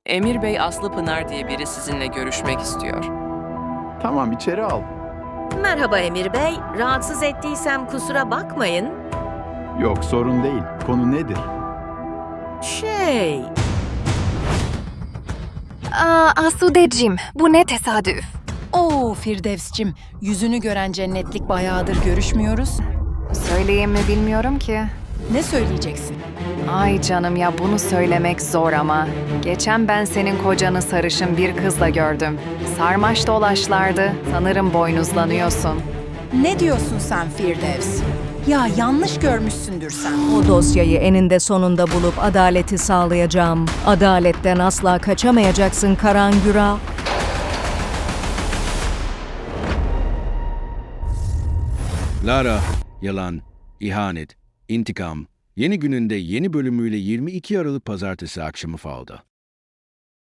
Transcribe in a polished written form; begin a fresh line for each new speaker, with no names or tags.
Emir Bey Aslı Pınar diye biri sizinle görüşmek istiyor.
Tamam, içeri al.
Merhaba Emir Bey. Rahatsız ettiysem kusura bakmayın.
Yok, sorun değil. Konu nedir?
Asudeciğim, bu ne tesadüf.
Oo Firdevs'cim, yüzünü gören cennetlik bayağıdır görüşmüyoruz.
Söyleyeyim mi bilmiyorum ki.
Ne söyleyeceksin?
Ay canım ya, bunu söylemek zor ama. Geçen ben senin kocanı sarışın bir kızla gördüm. Sarmaş dolaşlardı. Sanırım boynuzlanıyorsun.
Ne diyorsun sen Firdevs? Ya yanlış görmüşsündür sen.
O dosyayı eninde sonunda bulup adaleti sağlayacağım. Adaletten asla kaçamayacaksın Karangüra.
Lara, yalan, ihanet, intikam. Yeni gününde yeni bölümüyle 22 Aralık Pazartesi akşamı Fal'da.